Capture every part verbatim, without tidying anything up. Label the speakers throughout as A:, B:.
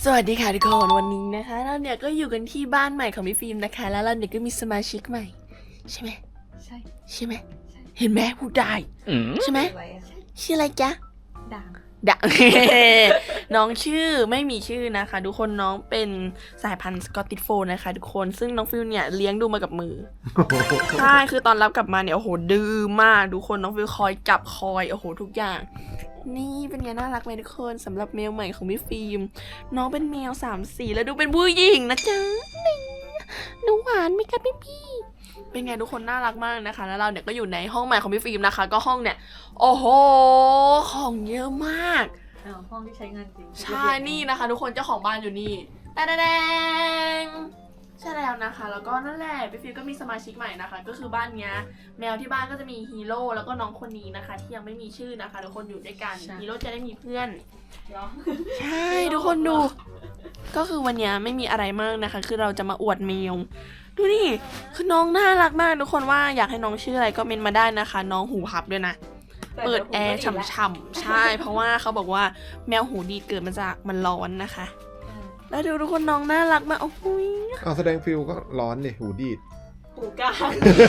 A: สวัสดีค่ะทุกคนวันนี้นะคะเราเนี่ยก็อยู่กันที่บ้านใหม่ของพี่ฟิล์มนะคะแล้วเราเนี่ยก็มีสมาชิกใหม่ใช่ไหม
B: ใช่
A: ใช่ไหมเห็นไหมพูดได้ใช่ไหมชื่ออะไรจ๊ะ
B: ด่าง
A: ด่าง น้องชื่อไม่มีชื่อนะคะทุกคนน้องเป็นสายพันธุ์สกอตติชโฟลด์นะคะทุกคนซึ่งน้องฟิลเนี่ยเลี้ยงดูมากับมือ ใช่คือตอนรับกลับมาเนี่ยโอ้โหดื้อมากทุกคนน้องฟิลคอยจับคอยโอ้โหทุกอย่างนี่เป็นไงน่ารักไหมทุกคนสำหรับแมวใหม่ของพี่ฟิล์มน้องเป็นแมวสามสีแล้วดูเป็นผู้หญิงนะจ๊ะนี่หนูหวานไหมคะพี่พี่เป็นไงทุกคนน่ารักมากนะคะแล้วเราเนี่ยก็อยู่ในห้องใหม่ของพี่ฟิล์มนะคะก็ห้องเนี่ยโอ้โหของเยอะมาก
B: ห้องที่ใช้งานจริง
A: ใช่นี่นะคะทุกคนเจ้าของบ้านอยู่นี่แต่แดงใช่แล้วนะคะแล้วก็นั่นแหละพี่ฟิล์มก็มีสมาชิกใหม่นะคะก็คือบ้านเนี้ยแมวที่บ้านก็จะมีฮีโร่แล้วก็น้องคนนี้นะคะที่ยังไม่มีชื่อนะคะทุกคนอยู่ด้วยกันฮีโร่จะได้มีเพื่อนใช่ทุกคนดูก็คือวันนี้ไม่มีอะไรมากนะคะคือเราจะมาอวดแมวดูนี่คือน้องน่ารักมากทุกคนว่าอยากให้น้องชื่ออะไรก็เมนมาได้นะคะน้องหูพับด้วยนะเปิดแอร์ฉ่ำๆใช่เพราะว่าเขาบอกว่าแมวหูดีเกิดมาจากมันร้อนนะคะแล้วดูทุกคนน้องน่ารักมากโอ้โห
C: เอาแสดงฟิลก็ร้อนนี่หูดีด
B: หูกลาง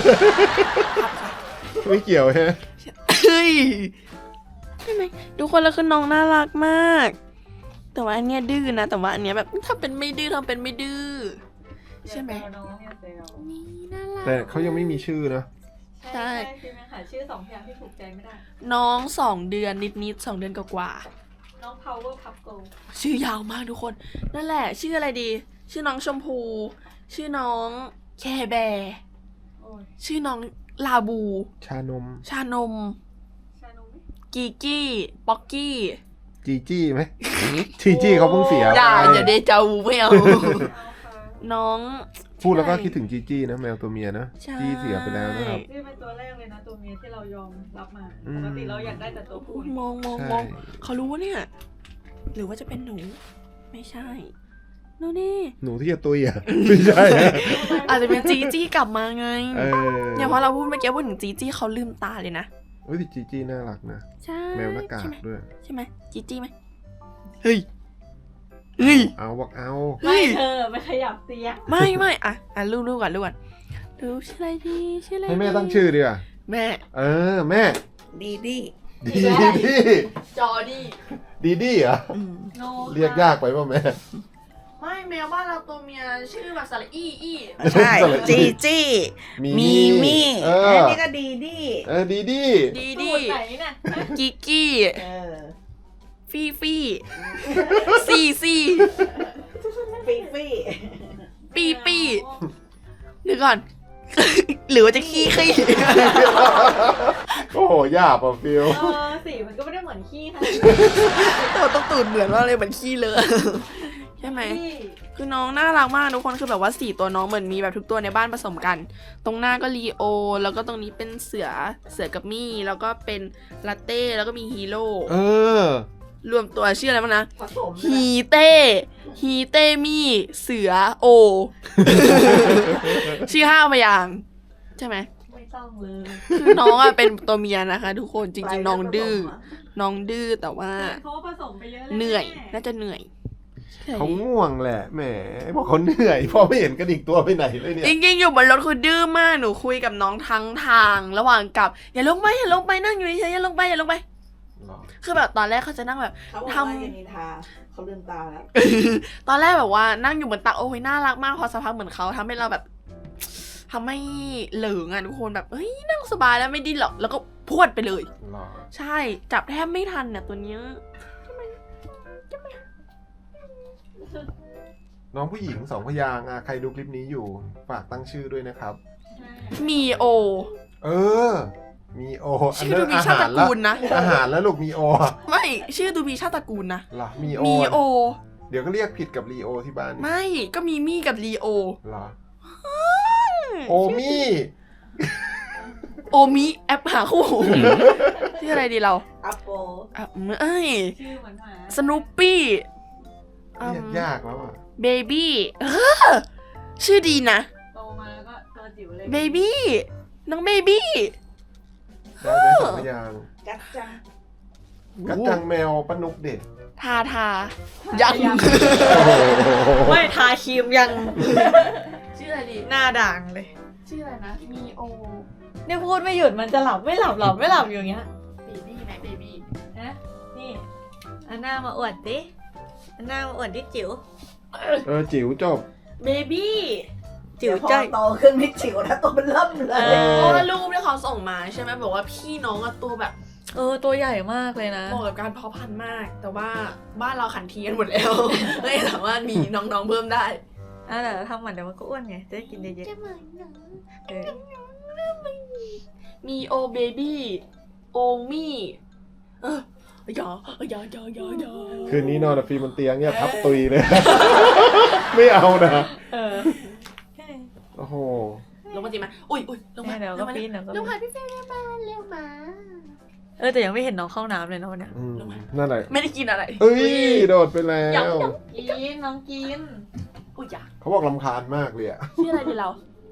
C: ไม่เกี่ยวฮะ
A: เฮ้ยใช่ไหมทุกคนแล้วคือน้องน่ารักมากแต่ว่าอันเนี้ยดื้อนะแต่ว่าอันเนี้ยแบบทำเป็นไม่ดื้อทำเป็นไม่ดื้อใช่ไหมนี่น่ารัก
C: แต่เขายังไม่มีชื่อนะ
B: ใช่คือมันหาชื่อสองอย่างที่ถูกใจไม่ได้
A: น้องสองเดือนนิดๆสองเดือนกว่า
B: น้อง power cup go
A: ชื่อยาวมากทุกคนนั่นแหละชื่ออะไรดีชื่อน้องชมพูชื่อน้องแคแบร์ชื่อน้องลาบู
C: ชานม
A: ชานม
B: ชานม
A: กีกี้ป๊อกกี้
C: จีจี้ไหมจีจี้เขาเพิ่งเสีย
A: อย่าอย่าเดจาวูไม่เอาน้อง
C: พูดแล้วก็คิดถึงจีจี้นะแมวตัวเมียนะจี้เสียไปแล้วนะครับ
B: นี่เป็นตัวแรกเลยนะตัวเมียที่เรายอมรับมาปกติเราอยากได้แต่ตัวผู้
A: มองมองมองเขารู้ว่าเนี่ยหรือว่าจะเป็นหนูไม่ใช่นู่นนี่
C: หนูที่จะตุยอ่ะไม่ใช่
A: อาจจะเป็นจีจี้กลับมาไงเนี่ยเพราะเราพูดเมื่อกี้พูดถึงจีจี้เขาลืมตาเลยนะ
C: เฮ้ยจีจี้น่ารักนะ
A: ใช่
C: แมวหน้ากากด้วย
A: ใช่ไหมจีจี้ไหมเฮ้ยเฮ้ย
C: เอาบอกเอา
B: ไม่เธอไม่ขยับเตียง
A: ไม่ไม่อ่ะอ่ะลูกลูกก่อนลูกก่อนดูชื่ออะไรดีชื่ออะไร
C: ให้แม่ตั้งชื่อดีกว่า
A: แม่
C: เออแม่
A: ดีดี
C: ดีดี
A: จอดี
C: ดีดีเหรอเรียกยากไปป่ะแม่
A: ไม่แมวบ้านเราตัวเมียชื่อแบบสระอี้อี้
C: ใช่
A: จีจี้มีมี
C: อั
A: นนี้ก็ดีดี
C: เออดีดี
A: ดีดีกิกกี้ฟี่ฟี่ซี่ซี่
B: ปีปี
A: ปีปีเดี๋ยวก่อนหรือว่าจะขี้ขี้
C: โอ้โหยากป่ะฟิล
B: เออสีมันก็ไม่ได้เหมือนขี้ค่ะ
A: ตัวต้องตูดเหมือนว่าเลยเหมือนขี้เลยใช่ไหมคือน้องน่ารักมากทุกคนคือแบบว่าสี่ตัวน้องเหมือนมีแบบทุกตัวในบ้านผสมกันตรงหน้าก็ลีโอแล้วก็ตรงนี้เป็นเสือเสือกับมี่แล้วก็เป็นลาเต้แล้วก็มีฮีโร่
C: เออ
A: รวมตัวชื่ออะไรบ้างนะฮีเต้ฮีเต้มี่เสือโอ ชื่อห้าพยางค์ใช่ไหม
B: ไม่ต้องเลย
A: คือน้องอะเป็นตัวเมียนะคะทุกคนจริงๆน้องดื้อน้องดื้อแต่ว่าเหนื่อยน่าจะเหนื่อย
C: เขาง่วงแหละแหมพอเขาเหนื่อยพอไม่เห็นกระดิกตัวไปไหนเลยเนี่ย
A: จริงๆอยู่บนรถคือดื้อมากหนูคุยกับน้องทั้งทางระหว่างกลับอย่าลงไปอย่าลงไปนั่งอยู่เฉยๆอย่าลงไปอย่าลงไปคือแบบตอนแรกเขาจะนั่งแบบ
B: ทำเขาลืมตาแล้ว
A: ตอนแรกแบบว่านั่งอยู่บนตักโอ้ยน่ารักมากพอสักพักเหมือนเขาทำให้เราแบบทำให้เหลิงอ่ะทุกคนแบบเฮ้ยนั่งสบายแล้วไม่ดิ้นหรอกแล้วก็พวดไปเลยใช่จับแทบไม่ทันเนี่ยตัวเนี้ย
C: น้องผู้หญิงสองพยางค์ใครดูคลิปนี้อยู่ฝากตั้งชื่อด้วยนะครับ
A: มีโอ
C: เออมีโอ
A: ชื่อดูมีชาติตระกูลนะ
C: อาหารแล้วลูกมีโอ
A: ไม่ชื่อดูมีชาติตระกูลนะ
C: หรอมีโอ
A: มีโอ
C: เดี๋ยวก็เรียกผิดกับลีโอที่บ้าน
A: ไม่ก็มีมี่กับลีโอ
C: หรอโอมี่
A: โอมิแอปหาคู่ชื่ออะไรดีเรา
B: อัปโป
A: อ่ะเอ้ย
B: ชื่อเหมือนหมา
A: สนูปปี้
C: เรียกยากแล้วอ่ะ
A: เบบี้ชื่อดีนะ
B: โตมาแล้วก็ตัวจิ๋วเลย
A: เบบี้น้องเบบี้
C: ได้ไหมสองพยางค์
B: กัดจัง
C: กัดจังแมวปนุกเด็ด
A: ทาทายัง
C: โอ้โห
B: ไม่ทาครีมยัง
A: ชื่ออะไรดี
B: หน้าด่างเลย
A: ชื่ออะไรนะมีโอ
B: เนี่ยพูดไม่หยุดมันจะหลับไม่หลับหลับไม่หลับอยู่อย่างเงี้ย
A: เบบี้ไหมเบบี้
B: นะนี่อันหน้ามาอวดดิอันหน้ามาอวดดิจิ๋ว
C: เออจิ๋วจบ
A: เบบี้
B: จิ๋ว
D: เดี๋ยวพอ
B: จ้อย
D: โตขึ้นไม่จิ๋วนะตัวมันเริ่มเล
B: เอย
A: เพราะ
B: อ
A: ว่ารูปที่เขาส่งมาใช่ไหมบอกว่าพี่น้องอะตัวแบบ
B: เออตัวใหญ่มากเลยนะ
A: เหมาะกับการเพาะพันธุ์มาก แต่ว่าบ้านเราขันทีกันหมดแล้ว ไม่สามารถมีน้องๆเพิ่มได้
B: อ่ะเดี๋ยวทำหมันเดี๋ยวมันก็อ้วนไงจะได้กินเยอะ
A: จะเหมือนน้อง
B: ๆเออ
A: มีโอเบบี้โอมี่เออยอยอยอยอยอ
C: คืนนี้นอนกับฟิล์มบนเตียงเนี่ยทับตุยเลย ไม่เอานะ
B: เออ
C: โอ้โห
A: ลงมาจีมาอุ้ยอุ้ยลงมา
B: เดี๋ยวก็ปีนเดี๋ยวก็
A: ล
B: ปี
A: งมาน พี่เฟรมมาเร็วมา
B: เออแต่ยังไม่เห็นน้องเข้าน้ำเลยนะวันเนี้ย
C: อืมนั่นแหละ
A: ไม่ได้กินอะไร
C: เอ้ยโดดไปแล้
A: ยัง
C: ว
A: ยัง
B: กินน้องกิน
A: อุ้ยอยาก
C: เขาบอกลำคาญมากเลยอ่ะ
A: ชื่ออะไรดีเรา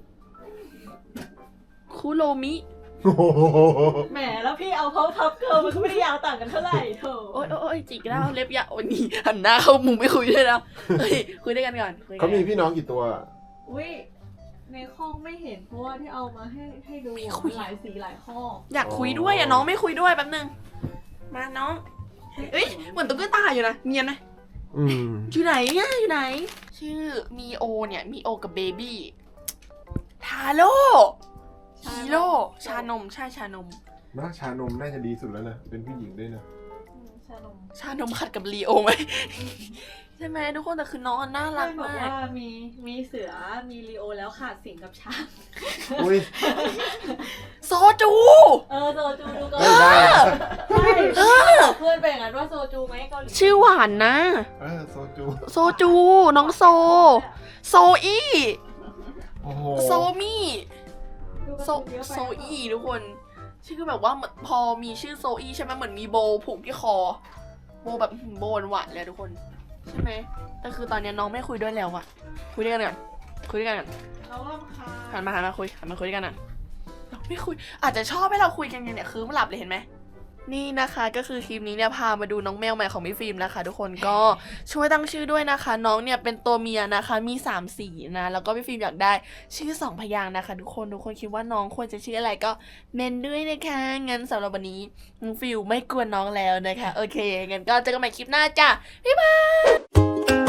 A: คุโรมิ
C: โอ้โห
B: แหมแล้วพี่เอาเขาพับเกิลมันก็ไม่ได้ยาวต่างกันเท่าไหร่โถ
A: โอ๊ยโอ๊ยโอ๊ยจิกแล้วเล็บยาววันนี้หันหน้าเข้ามุมไม่คุยด้วยนะเฮ้ยคุยด้วยกันก่อนคุยกัน
C: เขามีพี่น้องกี่ตัว
B: อุ้ยในข้องไม่เห็นเพราะว่าที่เอามาให้ให้ดูอะมันหลายสีหลายข้อ
A: อยากคุยด้วยอ่ะน้องไม่คุยด้วยแป๊บนึงมาน้องเอ้ยเหมือนตุ๊กตาอยู่นะเนียนนะ
C: อืม
A: อยู่ไหนเนี่ยอยู่ไหน ชื่อมีโอเนี่ยมีโอกับเบบี้ทาโร่ฮีโร่ชานมใช่ชานม
C: น่าชานมน่าจะดีสุดแล้วนะ เป็นผู้หญิงด้วยนะ
B: ชานม
A: ชานมขัดกับลีโอไหม ใช่ไหมทุกคนแต่คือน้องน่ารัก
B: บอก
A: มาก
B: ว่ามีมีเสือมีลีโอแล้วขาดสิงกับช้าง
C: อุ้ย
A: โซจู
B: เออโซจูดูก่อน
C: ไม่ได้
B: ใช่
A: เออ
B: บอกเพื่อนไปอย่างนั้นว่าโซจูไหมเกาหลี
A: ชื่อหวานนะ
C: เออโซจู
A: โซจู น้องโซ โซอี้
C: โอ้โห
A: โซมี่
B: ดูการ์
A: โซ
B: ตูนเยอะไป
A: โซอี้ทุกคน ชื่อแบบว่าเหมือนพอมีชื่อโซอี้ใช่ไหมเหมือนมีโบผูกที่คอ โบแบบโบหวานๆเลยทุกคน ใช่ไหมแต่คือตอนนี้น้องไม่คุยด้วยแล้วอะคุยด้วยกันก่อนคุยด้วยกันก่อน
B: เรารำคาญ
A: หันมาหันมาคุยหันมาคุยด้วยกันก่อนเราไม่คุย อาจจะชอบให้เราคุยกันเนี่ยคือไม่หลับเลยเห็นไหมนี่นะคะก็คือคลิปนี้เนี่ยพามาดูน้องแมวใหม่ของพี่ฟิล์มนะคะ ทุกคนก็ช่วยตั้งชื่อด้วยนะคะ น้องเนี่ยเป็นตัวเมียนะคะมีสามสีนะแล้วก็พี่ฟิล์มอยากได้ชื่อสองพยางค์นะคะ ทุกคนทุกคนคิดว่าน้องควรจะชื่ออะไรก็เมนด้วยนะคะงั้นสำหรับวันนี้น้องฟิล์มไม่กวนน้องแล้วนะคะโอเคงั้นก็เจอกันใหม่คลิปหน้าจ้ะบ๊ายบาย